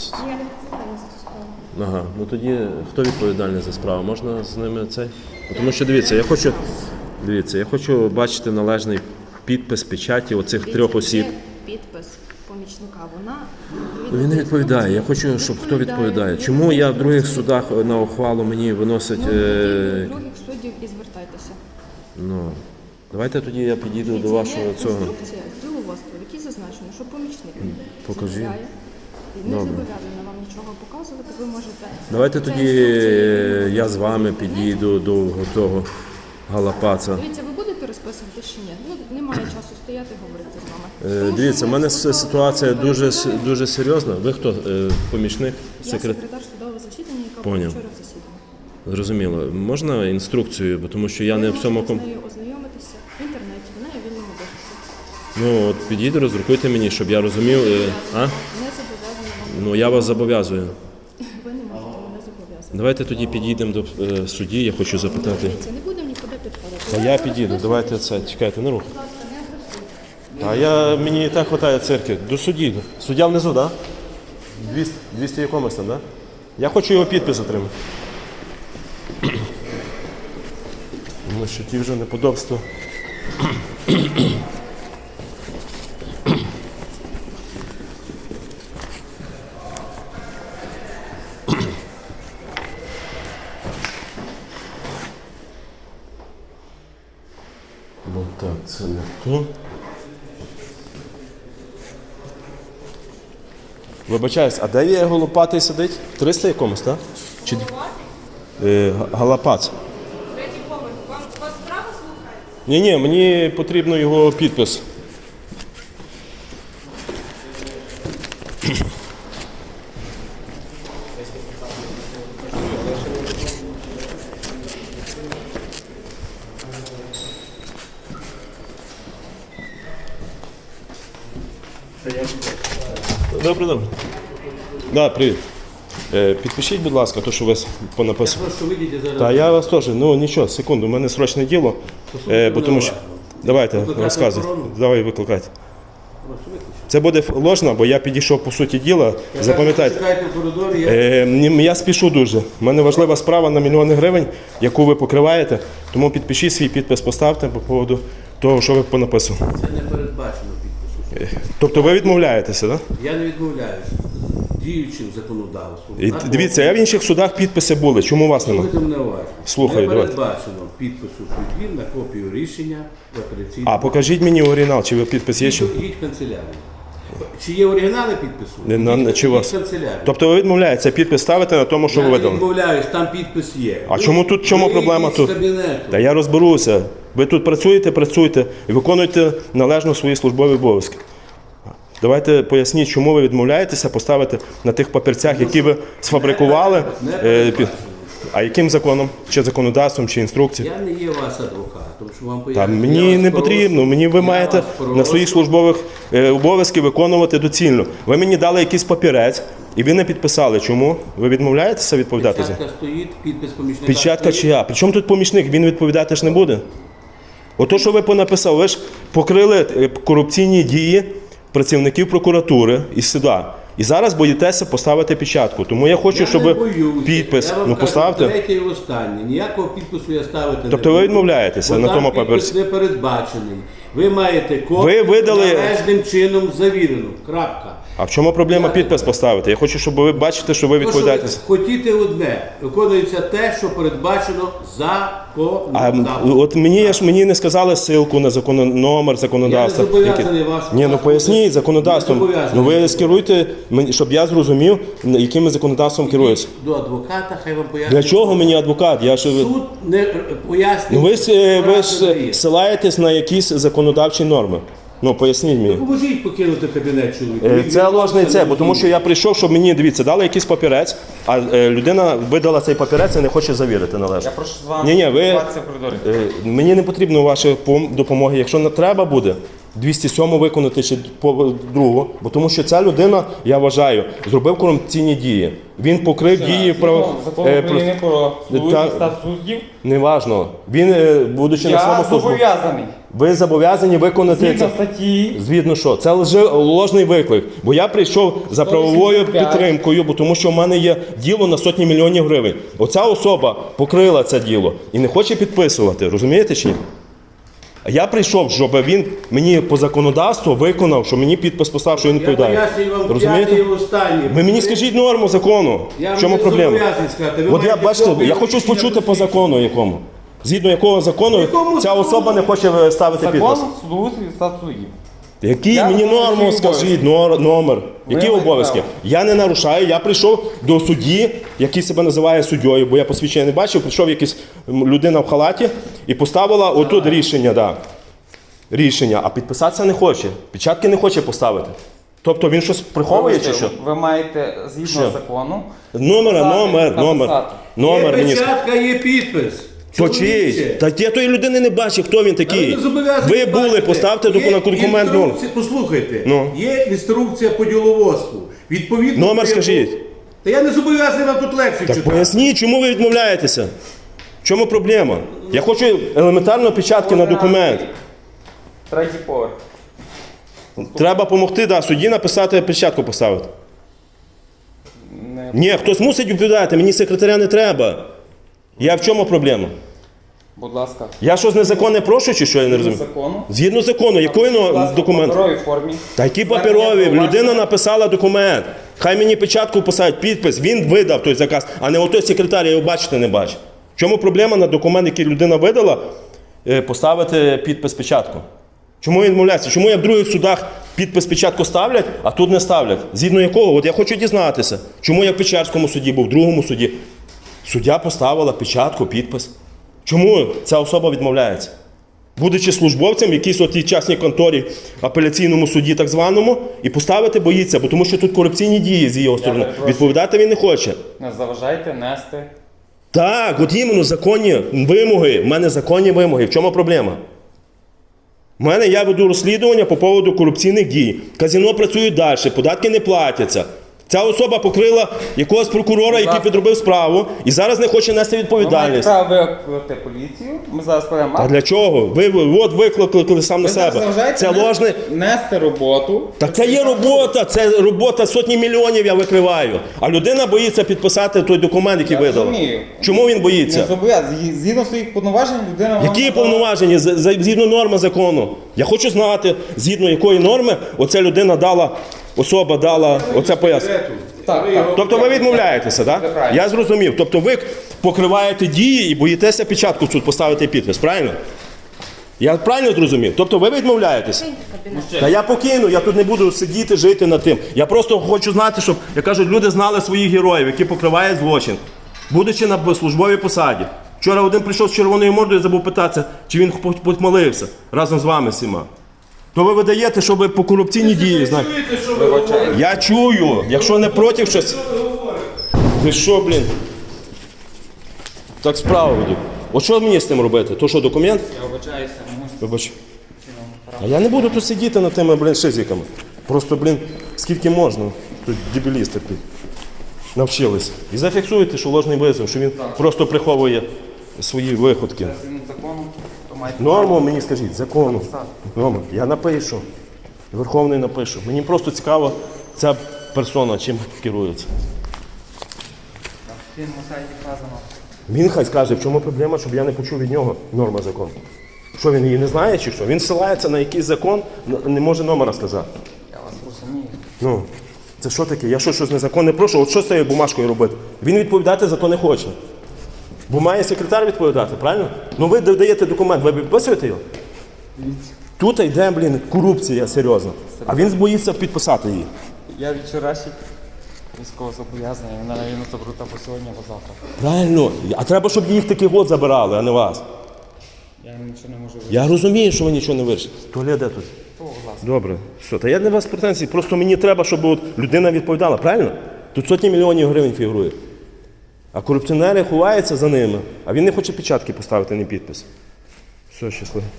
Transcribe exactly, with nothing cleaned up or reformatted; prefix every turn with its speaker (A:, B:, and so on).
A: Я не відповідальна за цю справу.
B: Ага, ну тоді хто відповідальний за справу? Можна з ними цей? Тому що дивіться, я хочу, дивіться, я хочу бачити належний підпис печаті оцих трьох осіб.
A: Є підпис помічника, вона...
B: Він не відповідає. Я хочу, щоб хто відповідає. Чому я в других судах на ухвалу мені виносить...
A: Ну,
B: Е...
A: до других суддів і звертайтеся.
B: Ну, давайте тоді я підійду до
A: Це
B: вашого
A: є
B: цього.
A: інструкція з діловодства, в якій зазначено, що помічник
B: Покажи.
A: заявляє і не
B: Добре.
A: зобов'язана вам нічого показувати, ви можете...
B: Давайте
A: Ця
B: тоді
A: інструкція-
B: я з вами підійду до того галапаца.
A: Дивіться, ви будете розписувати чи ні? Ну, немає часу стояти і говорити з вами.
B: Е,
A: Тому
B: Дивіться,
A: що
B: в
A: ми
B: мене
A: скликали
B: ситуація
A: судове
B: дуже,
A: засідання.
B: дуже серйозна. Ви хто? Е, Помічник?
A: Я
B: Секрет...
A: секретар судового засідання, яка
B: Поняв.
A: була вчора в засіданні.
B: Зрозуміло. Можна інструкцію, бо тому що я
A: Ви
B: не в цьому...
A: можете
B: ком-
A: з нею ознайомитися в інтернеті, вона є в вільному доступі.
B: Ну, от підійди, роздрукуйте мені, щоб я розумів. е, А?
A: Не зобов'язана вам.
B: Ну, я вас зобов'язую.
A: Ви не можете мене зобов'язати.
B: Давайте тоді підійдемо до е, судді, я хочу запитати.
A: Дивіться, не будемо нікуди підходити.
B: Та я підійду, давайте це, чекайте, не рух.
A: Будь ласка, не агресуйте.
B: А я, мені і так вистачає церкви. До судді. Суддя внизу, так? Да? двісті, двісті якомусь там, так? Да? Я хочу його підпис отримати. Ну, що ті вже неподобства. Ну так, це не то. Вибачаюсь, а де є голопатий сидить? триста якомусь, так? Чи... Е, галапац.
C: Третій поверх. Вам вас справа слухається?
B: Ні, ні, мені потрібно його підпис. Добре, добре. Да, привіт. Е, підпишіть, будь ласка, то, що ви понаписали.
D: Просто вийдіть зараз.
B: Та я вас теж, ну нічого, секунду, у мене срочне діло. Е, бо тому що... Давайте,
D: Викликати
B: розказуйте.
D: охорону?
B: Давай, викликайте.
D: Прошу виключити.
B: Це буде ложно, бо я підійшов по суті діла. Запам'ятайте.
D: Чекайте в коридорі, я...
B: Е, ні, я спішу дуже. У мене важлива справа на мільйони гривень, яку ви покриваєте. Тому підпишіть свій підпис, поставте по поводу того, що ви понаписали.
D: Це не передбачено підпису.
B: Тобто ви відмовляєтеся, так?
D: Я не відмовляюся. Діючим законодавством.
B: І
D: на
B: дивіться, я в інших судах підписи були. Чому у вас немає?
D: Слухайте мене уважно.
B: Слухаю,
D: не
B: давайте.
D: передбачено підпису судді на копію рішення в апеляційному.
B: А покажіть мені оригінал, чи ви підпис є? Чи...
D: Їдь в канцелярію. Чи є оригінали підпису?
B: Не, на-
D: Їдь-
B: чи
D: їдь
B: вас?
D: в канцелярію.
B: Тобто ви відмовляєтеся підпис ставити на тому, що
D: Я
B: ви
D: не
B: видали?
D: відмовляюсь, там підпис є.
B: А
D: Ви-
B: чому тут, чому
D: ви
B: проблема
D: йдіть
B: тут?
D: з кабінету.
B: Та я розберуся. Ви тут працюєте, працюєте і виконуєте належно свої службові обов'язки. Давайте поясніть, чому ви відмовляєтеся поставити на тих папірцях, які ви сфабрикували.
D: Не
B: е, під-
D: передбачено.
B: А яким законом? Чи законодавством, чи інструкцією?
D: Я не є ваш адвокатом, що вам
B: Та
D: поясню. Я
B: мені
D: вас
B: не
D: прошу-
B: потрібно. Мені ви
D: я
B: маєте
D: вас
B: на
D: прошу.
B: своїх службових е, обов'язки виконувати доцільно. Ви мені дали якийсь папірець, і ви не підписали. Чому? Ви відмовляєтеся відповідати за?
D: Печатка стоїть, підпис помічника
B: Печатка
D: стоїть.
B: чия? Причому тут помічник? Він відповідати ж не буде. Ото, що ви понаписали, ви ж покрили е, корупційні дії працівників прокуратури і суда. І зараз боїтеся поставити печатку. Тому я хочу,
D: Я
B: щоб
D: не боюся.
B: підпис,
D: Я вам
B: ну
D: кажу,
B: поставте.
D: третє і останнє. Ніякого підпису я ставити не
B: Тобто ви
D: буду.
B: відмовляєтеся
D: Бо
B: на
D: там
B: тому
D: підпис
B: папірці?
D: не передбачений. Ви маєте копію
B: Ви видали-
D: належним чином завірену. Крапка.
B: А в чому проблема
D: Я-
B: підпис поставити? Я хочу, щоб ви бачите, що ви
D: То, що ви
B: відповідаєте.
D: хотіте одне, виконується те, що передбачено
B: А
D: законодавством.
B: от мені я ж мені не сказали ссилку на закон, номер законодавства.
D: Я не зобов'язаний
B: Який-
D: вас
B: Ні, ну
D: показувати.
B: поясніть
D: Не
B: законодавством.
D: зобов'язаний.
B: Ну ви скеруйте, мені, щоб я зрозумів, яким законодавством керуюся.
D: До адвоката, хай вам пояснює.
B: Для чого мені адвокат? Я ж
D: Суд не е, пояснює.
B: ну ви ж е, ви ж
D: Правильно є.
B: ссилаєтесь на якісь законодавчі норми. Ну поясніть мені.
D: Поможіть покинути кабінет чоловіка.
B: Е,
D: Він
B: Це ложний
D: відмовився,
B: це,
D: не
B: бо тому що я прийшов, щоб мені дивіться, дали якийсь папірець, а е, людина видала цей папірець і не хоче завірити належно.
E: Я прошу з вами
B: Ні-ні, ви-
E: спілкуватися в коридорі.
B: Е, Мені не потрібно вашої пом- допомоги. Якщо не треба буде двісті сьому виконати чи по другу, бо тому що ця людина, я вважаю, зробив корупційні дії. Він покрив дії прав...
E: Закон
B: е,
E: України про
B: та-
E: службу статус суддів.
B: Неважно. Він, е, будучи на
E: Я
B: своєму службу.
E: зобов'язаний.
B: Ви зобов'язані виконати
E: Згідно
B: це.
E: статті,
B: Звідно що? Це лже, ложний виклик. Бо я прийшов за правовою
E: сто вісімдесят п'ять.
B: підтримкою, бо тому що в мене є діло на сотні мільйонів гривень. Оця особа покрила це діло і не хоче підписувати. Розумієте чи ні? А я прийшов, щоб він мені по законодавству виконав, що мені підпис поставив, що він
D: Я
B: відповідає.
D: пояснюю вам п'ятий і
B: Розумієте?
D: останній.
B: Ви мені скажіть норму закону.
D: Я
B: В чому
D: вам не
B: проблема?
D: зобов'язаний сказати. Ви
B: От я
D: маєте
B: бачите,
D: копію
B: я хочу
D: рішення
B: почути по
D: посвідчення.
B: закону якому. Згідно якого закону
D: Якому
B: ця
D: закону?
B: особа не хоче ставити підпис.
E: закон судоустрій і статус суддів.
B: Який
E: Я
B: мені
E: виконую
B: норму
E: свої
B: скажіть, нор- номер? Які
E: маєте
B: обов'язки?
E: право.
B: Я не нарушаю, я прийшов до судді, який себе називає суддєю, бо я посвідчення не бачив, прийшов якась м, людина в халаті і поставила отут рішення, да. Рішення, а підписатися не хоче. Печатки не хоче поставити. Тобто він щось приховує чи що?
E: Ви маєте, згідно
B: Що?
E: закону,
B: Номера,
E: написати-
B: номер, номер.
E: написати.
B: Номер
D: Є
B: мені. ск-
D: печатка, є підпис.
B: То
D: Чоловіче.
B: чий? Та я тої людини не бачив, хто він
D: Але
B: такий.
D: ви зобов'язані
B: Ви були,
D: бачити.
B: поставте
D: Є
B: документ документ. ну.
D: інструкція- Послухайте,
B: Ну.
D: є інструкція по діловодству. Відповідно,
B: Номер
D: до
B: скажіть.
D: якого- Та я не зобов'язаний вам тут лекцію
B: Так
D: читати.
B: поясніть, чому ви відмовляєтеся? В чому проблема? Я хочу елементарно печатки на документ.
E: Третій поверх.
B: Треба допомогти да, судді написати, печатку поставити.
E: Не
B: Ні, хтось мусить відповідати, мені секретаря не треба. Я в чому проблема?
E: Будь ласка.
B: Я щось незаконне прошу, чи що я не
E: Згідно
B: розумію?
E: закону.
B: Згідно закону, який
E: Будь
B: ну,
E: ласка,
B: документ?
E: в паперовій формі.
B: Та які
E: Звернення
B: паперові?
E: зауваження.
B: Людина написала документ. Хай мені печатку поставить, підпис. Він видав той заказ, а не отой секретар, я його бачити не бачу. В чому проблема на документ, який людина видала, е, поставити підпис печатку? Чому він відмовляється? Чому я в других судах підпис печатку ставлять, а тут не ставлять? Згідно якого? От я хочу дізнатися, чому я в Печерському суді був, в другому суді. Суддя поставила печатку, підпис. Чому ця особа відмовляється? Будучи службовцем в якійсь от тій частній конторі, апеляційному суді так званому, і поставити боїться, бо тому що тут корупційні дії з його сторони.
E: перепрошую.
B: Відповідати він не хоче.
E: Не заважайте нести.
B: Так, от іменно законні вимоги. В мене законні вимоги. В чому проблема? У мене я веду розслідування по поводу корупційних дій. Казино працюють далі, податки не платяться. Ця особа покрила якогось прокурора, який
E: ласка.
B: підробив справу, і зараз не хоче нести
E: Ви маєте
B: відповідальність.
E: право викликати поліцію. Ми зараз складемо
B: А
E: акт.
B: для чого? Ви, ви от викликали сам на
E: Ви зараз
B: себе.
E: заважаєте
B: Це
E: нести-
B: ложний.
E: нести роботу.
B: Так це є робота, це робота сотні мільйонів я викриваю. А людина боїться підписати той документ, який
E: Я
B: видала.
E: розумію.
B: Чому він
E: Не
B: боїться?
E: зобов'язаний. Згідно своїх повноважень людина вам
B: Які
E: надала-
B: повноваження з- з- згідно норми закону? Я хочу знати, згідно якої норми оця людина дала, особа дала оце пояснення.
E: Так,
D: Ви
E: так.
D: його-
B: Тобто ви відмовляєтеся, так?
E: Це правильно.
B: Я зрозумів. Тобто ви покриваєте дії і боїтеся печатку в суд поставити підпис, правильно? Я правильно зрозумів? Тобто ви відмовляєтеся? Та я покину, я тут не буду сидіти, жити над тим. Я просто хочу знати, щоб, як кажуть, люди знали своїх героїв, які покривають злочин, будучи на службовій посаді. Вчора один прийшов з червоною мордою і забув питатися, чи він помолився разом з вами всіма. То ви видаєте, що ви по корупційній дії, знаєте.
D: Чуєте, що ви говорите?
B: Я чую, якщо не проти щось. Ти що, блін? Так справа веду. От що мені з тим робити? То що, документ?
E: Я вибачаюся, не можу.
B: Вибач. А я не буду тут сидіти над тими, блін, шизиками. Просто, блін, скільки можна. Тут дебілісти тут навчились. І зафіксуйте, що ложний висновок, що він просто приховує свої виходки.
E: Згідно закону, то маєте
B: Норму мені скажіть, закону. Норму. Я напишу. Верховний напишу. Мені просто цікаво, ця персона чим керується.
E: на сайті вказано.
B: Він хай скаже, в чому проблема, щоб я не почув від нього норма закону. Що він її не знає чи що? Він ссилається на якийсь закон, не може номера сказати.
E: Я вас розумію.
B: Ну, це що таке? Я що, щось незаконне прошу? От що з цією бумажкою робити? Він відповідати за то не хоче. Бо має секретар відповідати, правильно? Ну ви даєте документ, ви підписуєте його? Тут йде, блін, корупція серйозна. А він боїться підписати її.
E: Я від вчорашніх військовозобов'язаний, мене навіть заберуть або сьогодні, або завтра.
B: Правильно. А треба, щоб їх таких от забирали, а не вас.
E: Я нічого не можу
B: Я розумію, що ви нічого не вирішите. Туалет де тут?
E: Будь ласка.
B: Добре. Що, та я не вас претензій, просто мені треба, щоб от людина відповідала, правильно? Тут сотні мільйонів гривень фігурує. А корупціонери ховаються за ними, а він не хоче печатки поставити, не підпис. Все, щасливо.